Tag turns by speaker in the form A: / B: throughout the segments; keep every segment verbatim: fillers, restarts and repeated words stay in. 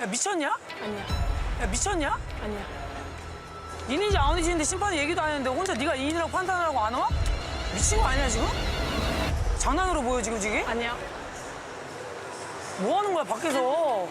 A: 야, 미쳤냐?
B: 아니야.
A: 야, 미쳤냐?
B: 아니야.
A: 인인지 아닌지인데 심판이 얘기도 안 했는데 혼자 네가 인이라고 판단하라고 안 와? 미친 거 아니야 지금? 장난으로 보여 지금 지금?
B: 아니야.
A: 뭐 하는 거야 밖에서?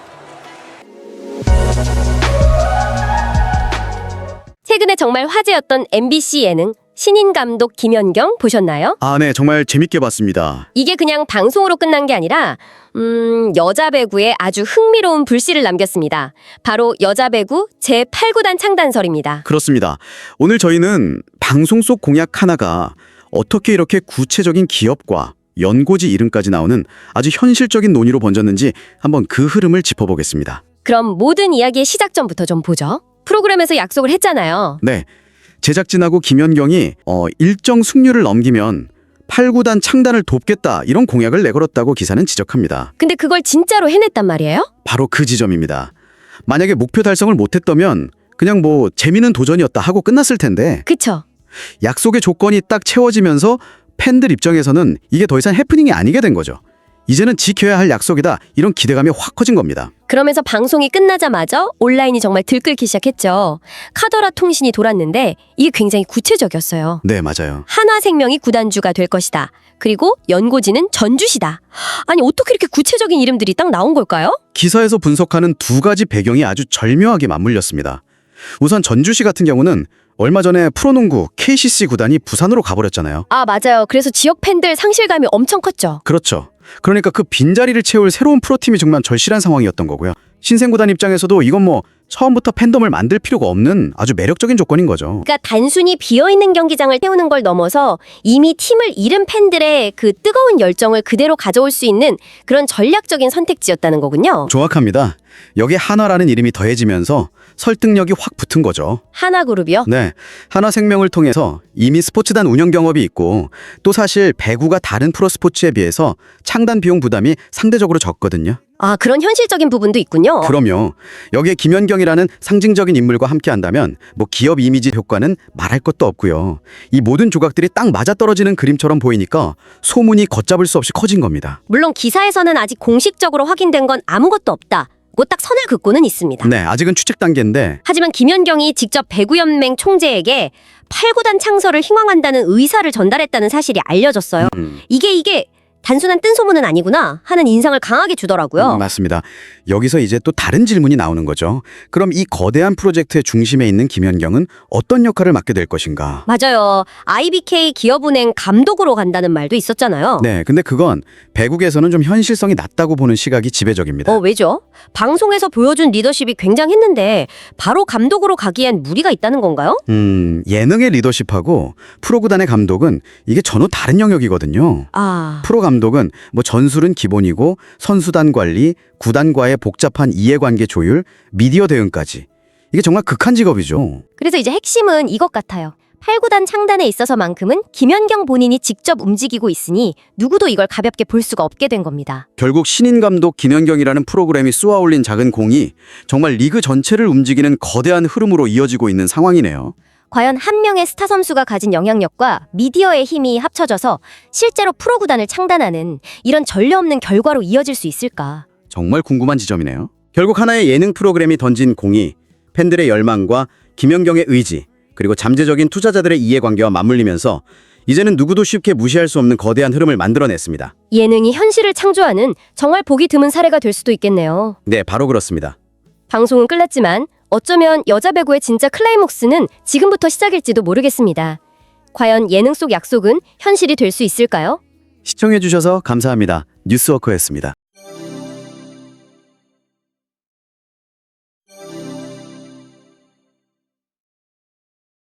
C: 최근에 정말 화제였던 엠비씨 예능 신인 감독 김연경 보셨나요?
D: 아, 네, 정말 재밌게 봤습니다.
C: 이게 그냥 방송으로 끝난 게 아니라 음, 여자 배구에 아주 흥미로운 불씨를 남겼습니다. 바로 여자 배구 제팔 구단 창단설입니다.
D: 그렇습니다. 오늘 저희는 방송 속 공약 하나가 어떻게 이렇게 구체적인 기업과 연고지 이름까지 나오는 아주 현실적인 논의로 번졌는지 한번 그 흐름을 짚어보겠습니다.
C: 그럼 모든 이야기의 시작점부터 좀 보죠. 프로그램에서 약속을 했잖아요.
D: 네, 제작진하고 김연경이 어, 일정 승률을 넘기면 팔 구단 창단을 돕겠다 이런 공약을 내걸었다고 기사는 지적합니다.
C: 근데 그걸 진짜로 해냈단 말이에요?
D: 바로 그 지점입니다. 만약에 목표 달성을 못했다면 그냥 뭐 재미는 도전이었다 하고 끝났을 텐데
C: 그쵸?
D: 약속의 조건이 딱 채워지면서 팬들 입장에서는 이게 더 이상 해프닝이 아니게 된 거죠. 이제는 지켜야 할 약속이다 이런 기대감이 확 커진 겁니다.
C: 그러면서 방송이 끝나자마자 온라인이 정말 들끓기 시작했죠. 카더라 통신이 돌았는데 이게 굉장히 구체적이었어요.
D: 네, 맞아요.
C: 한화생명이 구단주가 될 것이다. 그리고 연고지는 전주시다. 아니 어떻게 이렇게 구체적인 이름들이 딱 나온 걸까요?
D: 기사에서 분석하는 두 가지 배경이 아주 절묘하게 맞물렸습니다. 우선 전주시 같은 경우는 얼마 전에 프로농구 케이씨씨 구단이 부산으로 가버렸잖아요.
C: 아 맞아요. 그래서 지역 팬들 상실감이 엄청 컸죠.
D: 그렇죠. 그러니까 그 빈자리를 채울 새로운 프로팀이 정말 절실한 상황이었던 거고요. 신생구단 입장에서도 이건 뭐 처음부터 팬덤을 만들 필요가 없는 아주 매력적인 조건인 거죠.
C: 그러니까 단순히 비어있는 경기장을 태우는 걸 넘어서 이미 팀을 잃은 팬들의 그 뜨거운 열정을 그대로 가져올 수 있는 그런 전략적인 선택지였다는 거군요.
D: 정확합니다. 여기에 한화라는 이름이 더해지면서 설득력이 확 붙은 거죠.
C: 하나그룹이요?
D: 네, 한화생명을 통해서 이미 스포츠단 운영 경험이 있고 또 사실 배구가 다른 프로스포츠에 비해서 창단 비용 부담이 상대적으로 적거든요.
C: 아 그런 현실적인 부분도 있군요.
D: 그럼요. 여기에 김연경이라는 상징적인 인물과 함께한다면 뭐 기업 이미지 효과는 말할 것도 없고요. 이 모든 조각들이 딱 맞아떨어지는 그림처럼 보이니까 소문이 걷잡을 수 없이 커진 겁니다.
C: 물론 기사에서는 아직 공식적으로 확인된 건 아무것도 없다. 고 딱 선을 긋고는 있습니다.
D: 네, 아직은 추측 단계인데
C: 하지만 김연경이 직접 배구연맹 총재에게 팔 구단 창설을 희망한다는 의사를 전달했다는 사실이 알려졌어요.
D: 음.
C: 이게 이게 단순한 뜬소문은 아니구나 하는 인상을 강하게 주더라고요.
D: 음, 맞습니다. 여기서 이제 또 다른 질문이 나오는 거죠. 그럼 이 거대한 프로젝트의 중심에 있는 김연경은 어떤 역할을 맡게 될 것인가?
C: 맞아요. 아이비케이 기업은행 감독으로 간다는 말도 있었잖아요.
D: 네, 근데 그건 배국에서는 좀 현실성이 낮다고 보는 시각이 지배적입니다.
C: 어, 왜죠? 방송에서 보여준 리더십이 굉장했는데 바로 감독으로 가기엔 무리가 있다는 건가요?
D: 음, 예능의 리더십하고 프로구단의 감독은 이게 전혀 다른 영역이거든요.
C: 아...
D: 프로 감독은 뭐 전술은 기본이고 선수단 관리, 구단과의 복잡한 이해관계 조율, 미디어 대응까지. 이게 정말 극한 직업이죠.
C: 그래서 이제 핵심은 이것 같아요. 팔 구단 창단에 있어서만큼은 김연경 본인이 직접 움직이고 있으니 누구도 이걸 가볍게 볼 수가 없게 된 겁니다.
D: 결국 신인 감독 김연경이라는 프로그램이 쏘아올린 작은 공이 정말 리그 전체를 움직이는 거대한 흐름으로 이어지고 있는 상황이네요.
C: 과연 한 명의 스타 선수가 가진 영향력과 미디어의 힘이 합쳐져서 실제로 프로구단을 창단하는 이런 전례 없는 결과로 이어질 수 있을까?
D: 정말 궁금한 지점이네요. 결국 하나의 예능 프로그램이 던진 공이 팬들의 열망과 김연경의 의지, 그리고 잠재적인 투자자들의 이해관계와 맞물리면서 이제는 누구도 쉽게 무시할 수 없는 거대한 흐름을 만들어냈습니다.
C: 예능이 현실을 창조하는 정말 보기 드문 사례가 될 수도 있겠네요.
D: 네, 바로 그렇습니다.
C: 방송은 끝났지만 어쩌면 여자 배구의 진짜 클라이목스는 지금부터 시작일지도 모르겠습니다. 과연 예능 속 약속은 현실이 될 수 있을까요?
D: 시청해주셔서 감사합니다. 뉴스워커였습니다.